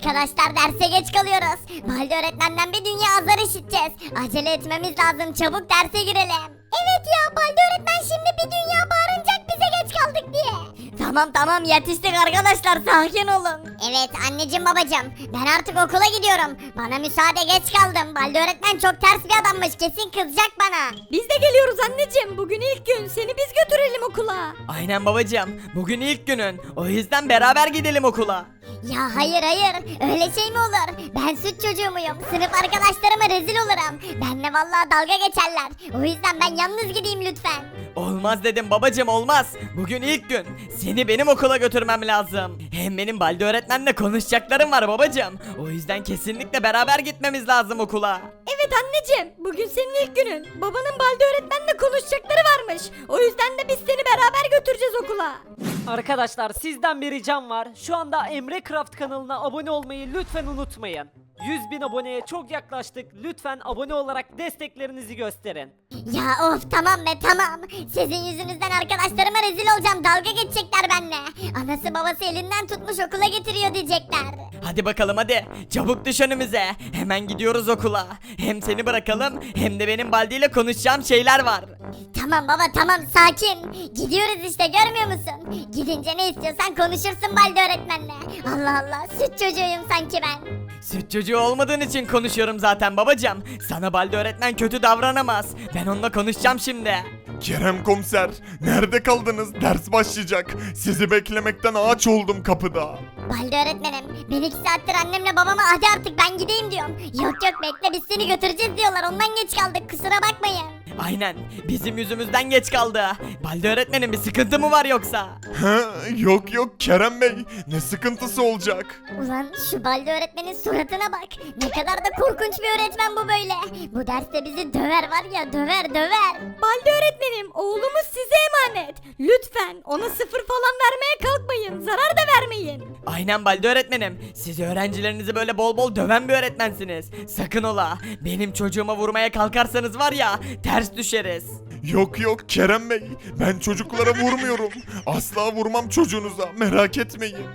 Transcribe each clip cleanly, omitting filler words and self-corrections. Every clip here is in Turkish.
Arkadaşlar derse geç kalıyoruz. Balde öğretmenden bir dünya azar işiteceğiz. Acele etmemiz lazım, çabuk derse girelim. Evet ya, Balde öğretmen şimdi bir dünya bağıracak bize geç kaldık diye. Tamam yetiştik arkadaşlar, sakin olun. Evet anneciğim babacığım, ben artık okula gidiyorum. Bana müsaade, geç kaldım. Balde öğretmen çok ters bir adammış, kesin kızacak bana. Biz de geliyoruz anneciğim. Bugün ilk gün. Seni biz götürelim okula. Aynen babacığım. Bugün ilk günün. O yüzden beraber gidelim okula. Ya hayır öyle şey mi olur? Ben süt çocuğu muyum? Sınıf arkadaşlarıma rezil olurum. Benle vallahi dalga geçerler. O yüzden ben yalnız gideyim lütfen. Olmaz dedim babacığım, olmaz. Bugün ilk gün. Seni benim okula götürmem lazım. Hem benim Balde öğretmenle konuşacaklarım var babacığım. O yüzden kesinlikle beraber gitmemiz lazım okula. Evet anneciğim. Bugün senin ilk günün. Babanın Balde öğretmenle konuşacakları varmış. O yüzden de biz seni beraber götüreceğiz okula. Arkadaşlar sizden bir ricam var. Şu anda Emre Craft kanalına abone olmayı lütfen unutmayın. 100.000 aboneye çok yaklaştık. Lütfen abone olarak desteklerinizi gösterin. Ya of tamam be tamam. Sizin yüzünüzden arkadaşlarıma rezil olacağım. Dalga geçecekler benimle. Anası babası elinden tutmuş okula getiriyor diyecekler. Hadi bakalım hadi. Çabuk düş önümüze. Hemen gidiyoruz okula. Hem seni bırakalım hem de benim Baldi ile konuşacağım şeyler var. Tamam baba tamam, sakin. Gidiyoruz işte, görmüyor musun? Gidince ne istiyorsan konuşursun Balde öğretmenle. Allah Allah, süt çocuğuyum sanki ben. Süt çocuğu olmadığın için konuşuyorum zaten babacığım. Sana Balde öğretmen kötü davranamaz. Ben onunla konuşacağım şimdi. Kerem komiser, nerede kaldınız? Ders başlayacak. Sizi beklemekten ağaç oldum kapıda. Balde öğretmenim, ben 2 saattir annemle babama hadi artık ben gideyim diyorum. Yok bekle, biz seni götüreceğiz diyorlar, ondan geç kaldık, kusura bakmayın. Aynen, bizim yüzümüzden geç kaldı. Balde öğretmenin bir sıkıntı mı var yoksa? Yok Kerem Bey, ne sıkıntısı olacak? Ulan şu Balde öğretmenin suratına bak. Ne kadar da korkunç bir öğretmen bu böyle. Bu derste bizi döver var ya, döver. Balde öğretmenim, oğlumuz size emanet. Lütfen ona 0 falan vermeye kalkmayın. Zarar da vermeyin. Aynen Balde öğretmenim. Siz öğrencilerinizi böyle bol bol döven bir öğretmensiniz. Sakın ola. Benim çocuğuma vurmaya kalkarsanız var ya, ters düşeriz. Yok Kerem Bey, ben çocuklara vurmuyorum. Asla vurmam çocuğunuza, merak etmeyin.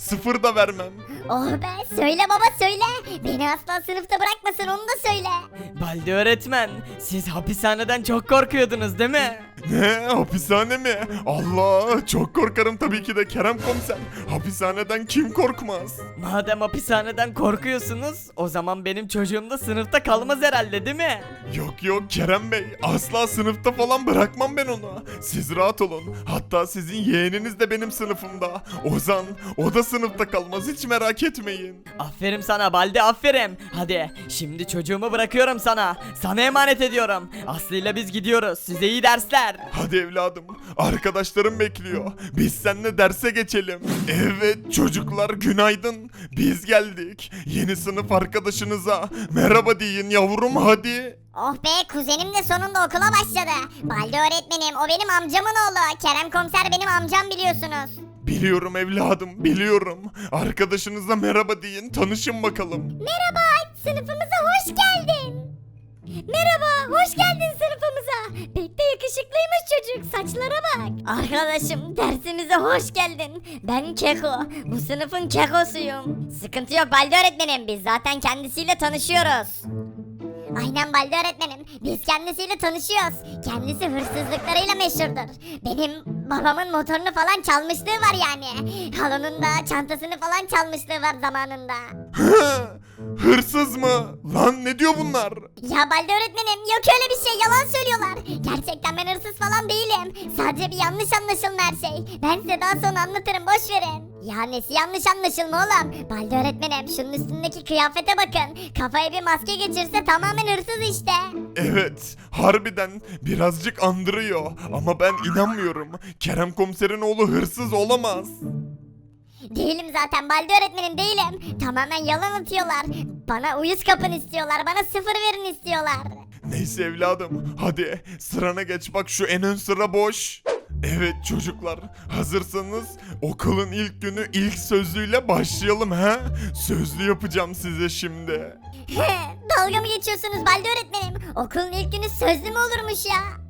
0 da vermem. Oh be, söyle baba söyle. Beni asla sınıfta bırakmasın, onu da söyle. Balde öğretmen, siz hapishaneden çok korkuyordunuz değil mi? Ne, hapishane mi? Allah, çok korkarım tabii ki de Kerem komiser. Hapishaneden kim korkmaz? Madem hapishaneden korkuyorsunuz, o zaman benim çocuğum da sınıfta kalmaz herhalde değil mi? Yok Kerem Bey, asla sınıfta falan bırakmam ben onu. Siz rahat olun. Hatta sizin yeğeniniz de benim sınıfımda. Ozan, o da sınıfta kalmaz, hiç merak etmeyin. Aferin sana Balde, aferin. Hadi şimdi çocuğumu bırakıyorum sana. Sana emanet ediyorum. Aslı ile biz gidiyoruz. Size iyi dersler. Hadi evladım, arkadaşlarım bekliyor. Biz seninle derse geçelim. Evet çocuklar, günaydın. Biz geldik. Yeni sınıf arkadaşınıza merhaba deyin yavrum, hadi. Oh be, kuzenim de sonunda okula başladı. Balde öğretmenim, o benim amcamın oğlu. Kerem komiser benim amcam, biliyorsunuz. Biliyorum evladım, biliyorum. Arkadaşınıza merhaba deyin, tanışın bakalım. Merhaba, sınıfımıza hoş geldin. Merhaba, hoş geldin sınıfımıza. Pek de yakışıklıymış çocuk. Saçlara bak. Arkadaşım, dersimize hoş geldin. Ben Keko, bu sınıfın Kekosuyum. Sıkıntı yok Balde öğretmenim, biz zaten kendisiyle tanışıyoruz. Aynen Balde öğretmenim, biz kendisiyle tanışıyoruz. Kendisi hırsızlıklarıyla meşhurdur. Benim babamın motorunu falan çalmışlığı var yani. Halının da çantasını falan çalmışlığı var zamanında. Hırsız mı? Lan ne diyor bunlar? Ya Balde öğretmenim, yok öyle bir şey, yalan söylüyorlar. Gerçekten ben hırsız falan değilim. Sadece bir yanlış anlaşılma her şey. Ben size daha sonra anlatırım, boş verin. Ya nesi yanlış anlaşılma oğlum? Balde öğretmenim, şunun üstündeki kıyafete bakın. Kafaya bir maske geçirse tamamen hırsız işte. Evet, harbiden birazcık andırıyor. Ama ben inanmıyorum. Kerem komiserin oğlu hırsız olamaz. Değilim zaten Balde öğretmenim, değilim. Tamamen yalan atıyorlar. Bana uyuz kapın istiyorlar, bana 0 verin istiyorlar. Neyse evladım, hadi sırana geç, bak şu en ön sıra boş. Evet çocuklar, hazırsanız okulun ilk günü ilk sözlüyle başlayalım ha? Sözlü yapacağım size şimdi. Dalga mı geçiyorsunuz Balde öğretmenim? Okulun ilk günü sözlü mü olurmuş ya?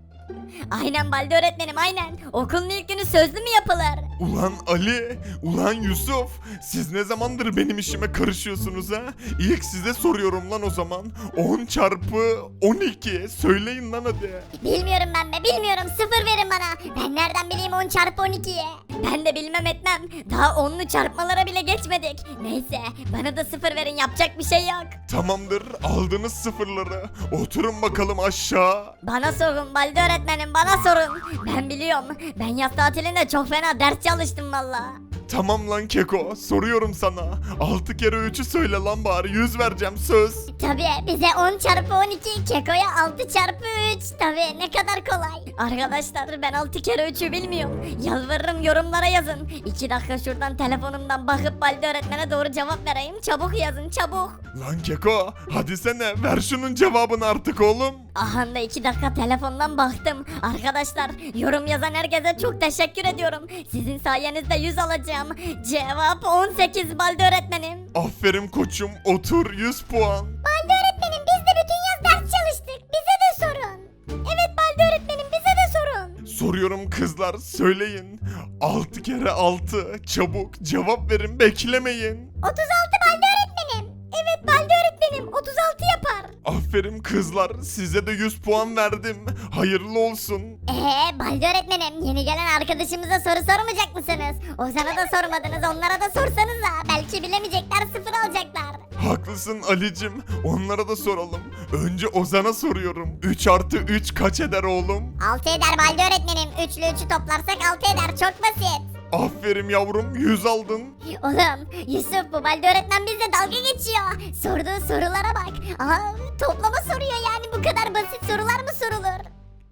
Aynen Balde öğretmenim aynen. Okulun ilk günü sözlü mü yapılır? Ulan Ali, ulan Yusuf, siz ne zamandır benim işime karışıyorsunuz ha? İlk size soruyorum lan o zaman. 10 çarpı 12, söyleyin lan hadi. Bilmiyorum ben be bilmiyorum, 0 verin bana. Ben nereden bileyim 10 çarpı 12'yi? Ben de bilmem etmem. Daha onlu çarpmalara bile geçmedik. Neyse bana da 0 verin, yapacak bir şey yok. Tamamdır, aldınız sıfırları. Oturun bakalım aşağı. Bana sorun Balde öğretmenim, bana sorun. Ben biliyorum. Ben yaz tatilinde çok fena ders çalıştım valla. Tamam lan Keko, soruyorum sana. 6 kere 3'ü söyle lan bari, 100 vereceğim söz. Tabii bize 10 çarpı 12, Keko'ya 6 çarpı 3. Tabii ne kadar kolay. Arkadaşlar ben 6 kere 3'ü bilmiyorum. Yalvarırım yorumlara yazın. 2 dakika şuradan telefonumdan bakıp Balde öğretmene doğru cevap vereyim. Çabuk yazın çabuk. Lan Keko, hadi sene ver şunun cevabını artık oğlum. Aha da 2 dakika telefondan baktım. Arkadaşlar yorum yazan herkese çok teşekkür ediyorum. Sizin sayenizde 100 alacağım. Cevap 18 Balde öğretmenim. Aferin koçum, otur 100 puan. Balde öğretmenim biz de bütün yaz ders çalıştık. Bize de sorun. Evet Balde öğretmenim bize de sorun. Soruyorum kızlar, söyleyin. 6 kere 6, çabuk cevap verin, beklemeyin. 36 Balde öğretmenim. Evet Balde öğretmenim 36 yapar. Aferin kızlar, size de 100 puan verdim. Hayırlı olsun. Balde öğretmenim yeni gelen arkadaşımıza soru sormayacak mısınız? Ozan'a da sormadınız, onlara da sorsanıza. Belki bilemeyecekler, 0 alacaklar. Haklısın Alicim, onlara da soralım. Önce Ozan'a soruyorum. 3 artı 3 kaç eder oğlum? 6 eder Balde öğretmenim. 3 ile 3'ü toplarsak 6 eder, çok basit. Aferin yavrum, 100 aldın. Oğlum Yusuf bu Balde öğretmen bizle dalga geçiyor. Sorduğu sorulara bak. Toplama soruyor yani, bu kadar basit sorular mı sorulur?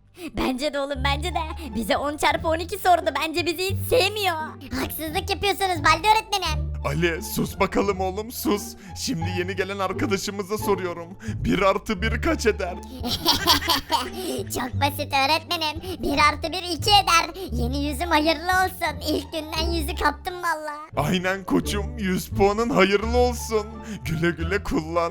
Bence de oğlum bence de. Bize 10 çarpı 12 sordu. Bence bizi hiç sevmiyor. Haksızlık yapıyorsunuz Balde öğretmenim. Ali sus bakalım oğlum sus. Şimdi yeni gelen arkadaşımıza soruyorum. 1 artı 1 kaç eder? Çok basit öğretmenim. 1 artı 1 2 eder. Yeni yüzüm hayırlı olsun. İlk günden yüzü kaptım valla. Aynen koçum, 100 puanın hayırlı olsun. Güle güle kullan.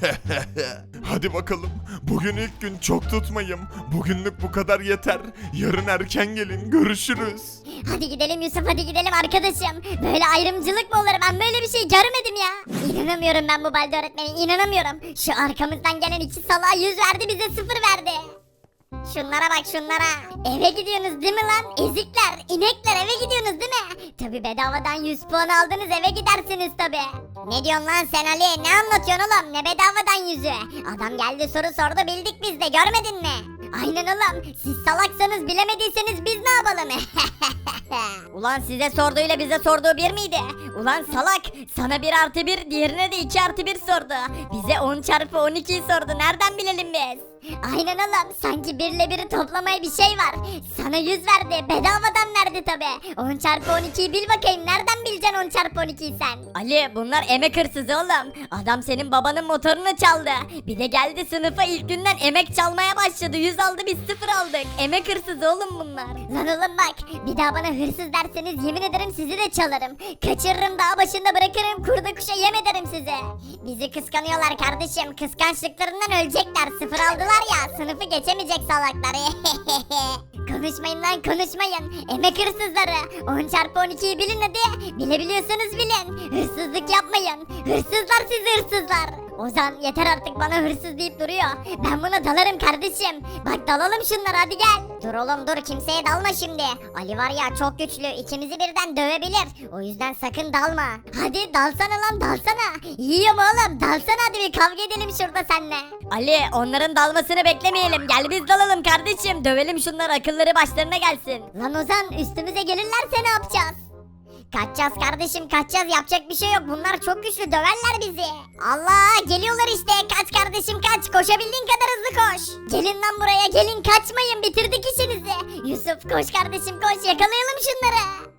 Hadi bakalım. Bugün ilk gün, çok tutmayın. Bugünlük bu kadar yeter. Yarın erken gelin, görüşürüz. Hadi gidelim Yusuf, hadi gidelim arkadaşım. Böyle ayrımcılık mı olur? Ben böyle bir şey görmedim ya. İnanamıyorum ben bu Balde öğretmene, inanamıyorum. Şu arkamızdan gelen 2 salağa 100 verdi, bize 0 verdi. Şunlara bak şunlara. Eve gidiyorsunuz değil mi lan? Ezikler, inekler, eve gidiyorsunuz değil mi? Tabi bedavadan 100 puan aldınız, eve gidersiniz tabi. Ne diyorsun lan sen Ali? Ne anlatıyorsun oğlum? Ne bedavadan 100'ü? Adam geldi soru sordu, bildik biz de, görmedin mi? Aynen oğlum. Siz salaksanız, bilemediyseniz biz ne yapalım? Ulan size sorduğuyla bize sorduğu bir miydi? Ulan salak, sana 1 artı 1, diğerine de 2 artı 1 sordu. Bize 10 çarpı 12'yi sordu, nereden bilelim biz? Aynen oğlum, sanki 1 ile 1'i toplamaya bir şey var. Sana 100 verdi, bedavadan verdi tabi. 10 çarpı 12'yi bil bakayım, nereden bileceksin 10 çarpı 12'yi sen? Ali bunlar emek hırsızı oğlum. Adam senin babanın motorunu çaldı. Bir de geldi sınıfa ilk günden emek çalmaya başladı. 100 aldı, biz 0 aldık. Emek hırsızı oğlum bunlar. Lan oğlum bak, bir daha bana hırsız derseniz yemin ederim sizi de çalarım. Kaçırırım, dağ başında bırakırım, kurda kuşa yem ederim size. Bizi kıskanıyorlar kardeşim, kıskançlıklarından ölecekler. 0 aldılar ya, sınıfı geçemeyecek salaklar. Konuşmayın lan konuşmayın. Emek hırsızları. 10 çarpı 12'yi bilin hadi. Bilebiliyorsanız bilin. Hırsızlık yapmayın. Hırsızlar sizi, hırsızlar. Ozan yeter artık, bana hırsız deyip duruyor. Ben buna dalarım kardeşim. Bak dalalım şunlara, hadi gel. Dur oğlum dur, kimseye dalma şimdi. Ali var ya çok güçlü, ikimizi birden dövebilir. O yüzden sakın dalma. Hadi dalsana lan dalsana. Yiyorum oğlum, dalsana hadi, bir kavga edelim şurada seninle. Ali onların dalmasını beklemeyelim. Gel biz dalalım kardeşim. Dövelim şunları, akılları başlarına gelsin. Lan Ozan, üstümüze gelirlerse ne yapacağız? Kaçacağız kardeşim kaçacağız, yapacak bir şey yok, bunlar çok güçlü, döverler bizi. Allah, geliyorlar işte, kaç kardeşim kaç, koşabildiğin kadar hızlı koş. Gelin lan buraya, gelin, kaçmayın, bitirdik işinizi. Yusuf koş kardeşim koş, yakalayalım şunları.